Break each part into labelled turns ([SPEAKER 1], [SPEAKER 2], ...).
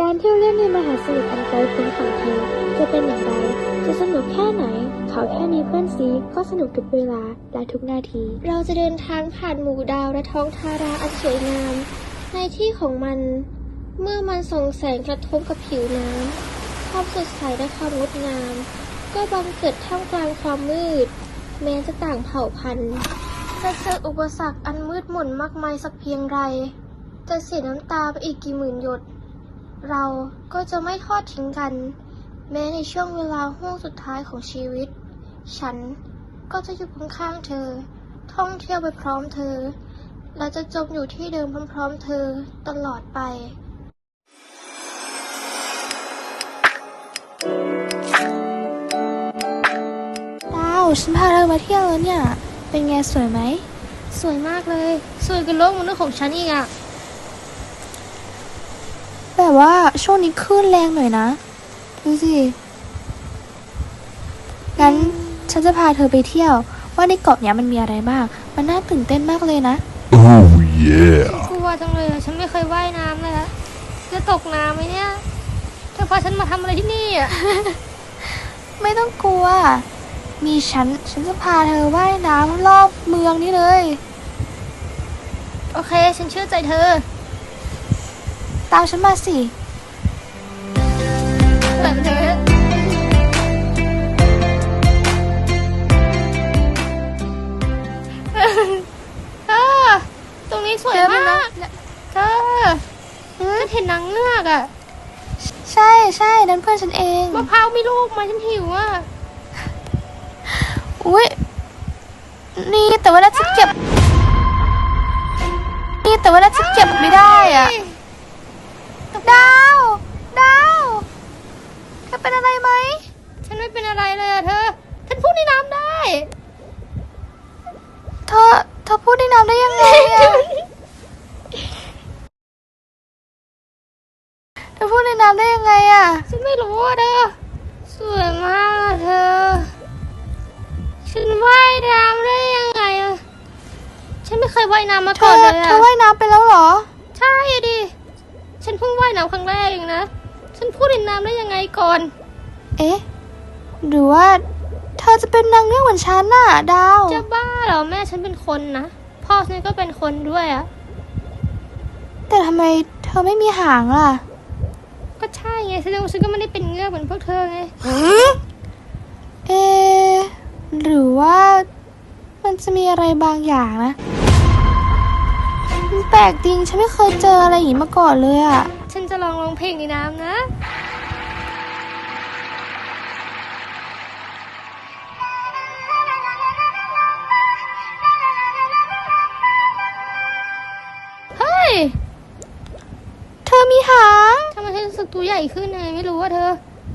[SPEAKER 1] การเที่ยวเล่นในมหาสมุทรอันไกลโพ้นของเธอจะเป็นอย่างไรจะสนุกแค่ไหนเขาแค่มีเพื่อนซีก็สนุกทุกเวลาและทุกนาทีเราจะเดินทางผ่านหมู่ดาวและท้องทาราอันสวยงามในที่ของมันเมื่อมันส่องแสงกระทบกับผิวน้ำความสดใสและความงดงามก็บังเกิดท่ามกลางความมืดแม้จะต่างเผ่าพันธุ์จะเจออุปสรรคอันมืดมนมากมายสักเพียงไรจะเสียน้ำตาไปอีกกี่หมื่นหยดเราก็จะไม่ทอดทิ้งกันแม้ในช่วงเวลาห่วงสุดท้ายของชีวิตฉันก็จะอยู่ข้างๆเธอท่องเที่ยวไปพร้อมเธอและจะจมอยู่ที่เดิมพร้อมๆเธอตลอดไปดาวฉันพาเธอมาเที่ยวแล้วเนี่ยเป็นไงสวยไหมสวยมากเลยสวยกว่าโลกมนุษย์ของฉันอีกอะแต่ว่าช่วงนี้คลื่นแรงหน่อยนะดูสิงั้นฉันจะพาเธอไปเที่ยวว่าในเกาะเนี้ยมันมีอะไรบ้างมันน่าตื่นเต้นมากเลยนะ
[SPEAKER 2] Oh yeah
[SPEAKER 3] กลัวจังเลยฉันไม่เคยว่ายน้ำเลยอะจะตกน้ำไหมเนี่ยเธอพาฉันมาทำอะไรที่นี่อะ
[SPEAKER 1] ไม่ต้องกลัวมีฉันจะพาเธอว่ายน้ำรอบเมืองนี่เลย
[SPEAKER 3] โอเคฉันเชื่อใจเธอ
[SPEAKER 1] ตามฉันมาสิ
[SPEAKER 3] ตรงนี้สวยมากเธอเห็นนางเงือกอ่ะ
[SPEAKER 1] ใช่นั่นเพื่อนฉันเอง
[SPEAKER 3] มะพร้าวมีลูกมาฉันหิวอ่ะ
[SPEAKER 1] อุ้ยนี่แต่ว่าน่าจะเก็บไม่ได้อ่ะดาวเธอเป็นอะไรไหม
[SPEAKER 3] ฉันไม่เป็นอะไรเลยอะเธอฉันพูดในน้ำได้
[SPEAKER 1] เธอพูดในน้ำได้ยังไงอะเธอพูดในน้ำได้ยังไงอะ
[SPEAKER 3] ฉันไม่รู้อะเธอสวยมากเธอฉันว่ายน้ำได้ยังไงอะฉันไม่เคยว่ายน้ำมาก่อนเลยอะ
[SPEAKER 1] เธอว่ายน้ำไปแล้วเหรอ
[SPEAKER 3] ใช่ดิฉันเพิ่งว่ายน้ำครั้งแรกเองนะฉันพูดในน้ำได้ยังไงก่อน
[SPEAKER 1] เอ๊ะหรือว่าเธอจะเป็นนางเงือกเหมือนฉันน่ะดาว
[SPEAKER 3] จะบ้าเหรอแม่ฉันเป็นคนนะพ่อฉันก็เป็นคนด้วยอะ
[SPEAKER 1] แต่ทำไมเธอไม่มีหางล่ะ
[SPEAKER 3] ก็ใช่ไงแสดงว่าฉันก็ไม่ได้เป็นเงือกเหมือนพวกเธอไง
[SPEAKER 1] เอ๊ะหรือว่ามันจะมีอะไรบางอย่างนะมันแปลกจริงฉันไม่เคยเจออะไรอย่างนี้มาก่อนเลยอะ
[SPEAKER 3] ฉันจะลองร้องเพลงในน้ำนะเฮ้ย
[SPEAKER 1] เธอมีหาง
[SPEAKER 3] ทำไมฉันรู้สึกตัวใหญ่ขึ้นไงไม่รู้ว่าเธอ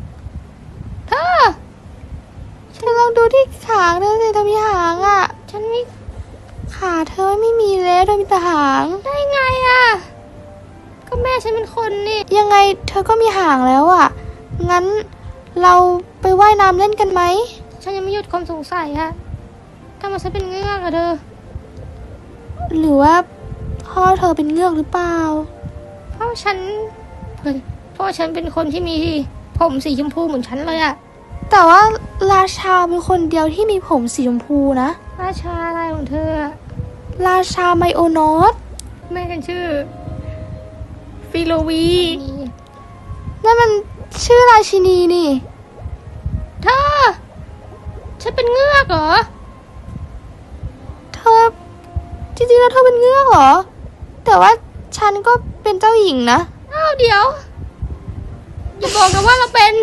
[SPEAKER 1] ลองดูที่ขาเธอสิเธอมีหางอ่ะ
[SPEAKER 3] ฉันไม่
[SPEAKER 1] ขาเธอไม่มีแล้วเธอมีแต่หาง
[SPEAKER 3] ได้ไงอ่ะก็แม่ฉันเป็นคนนี่
[SPEAKER 1] ยังไงเธอก็มีหางแล้วอ่ะงั้นเราไปว่ายน้ำเล่นกันไหม
[SPEAKER 3] ฉันยังไม่หยุดความสงสัยอะทำไมฉันเป็นเงือกอะเธอ
[SPEAKER 1] หรือว่าพ่อเธอเป็นเงือกหรือเปล่า
[SPEAKER 3] พ่อฉันเป็นคนที่มีผมสีชมพูเหมือนฉันเลยอะ
[SPEAKER 1] แต่ว่าราชาเป็นคนเดียวที่มีผมสีชมพูนะ
[SPEAKER 3] ราชาอะไรของเธอ
[SPEAKER 1] ราชาไมโอนอส
[SPEAKER 3] แม่ฉันชื่อฟิโลวี
[SPEAKER 1] นั่นมันชื่อราชินีนี่
[SPEAKER 3] เธอฉันเป็นเงือกเหรอ
[SPEAKER 1] เธอจริงๆแล้วเธอเป็นเงือกเหรอแต่ว่าฉันก็เป็นเจ้าหญิงนะ
[SPEAKER 3] อ้าวเดี๋ยวอย่าบอกนะว่าเราเป็น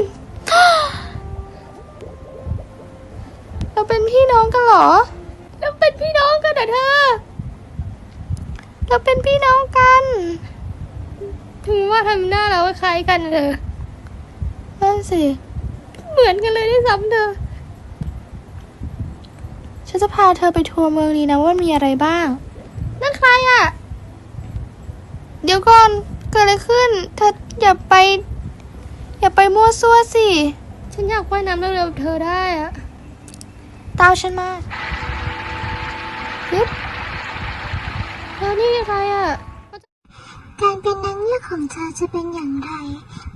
[SPEAKER 1] พี่น้องกันเหรอ
[SPEAKER 3] เราเป็นพี่น้องกันเหรอเธอ
[SPEAKER 1] เราเป็นพี่น้องกัน
[SPEAKER 3] ถึงว่าทำหน้าเราคล้ายกันเลย
[SPEAKER 1] นั่นสิ
[SPEAKER 3] เหมือนกันเลยด้วยซ้ำเธอ
[SPEAKER 1] ฉันจะพาเธอไปทัวร์เมืองนี้นะว่ามีอะไรบ้าง
[SPEAKER 3] นั่นใครอ่ะ
[SPEAKER 1] เดี๋ยวก่อนเกิดอะไรขึ้นเธออย่าไปมั่วซั่วสิ
[SPEAKER 3] ฉันอยากว่ายน้ำเร็วๆเธอได้อ่ะ
[SPEAKER 1] ตามฉันมา
[SPEAKER 3] เธอนี่ใครอ่ะ
[SPEAKER 2] การเป็นนางเงือกของเธอจะเป็นอย่างไร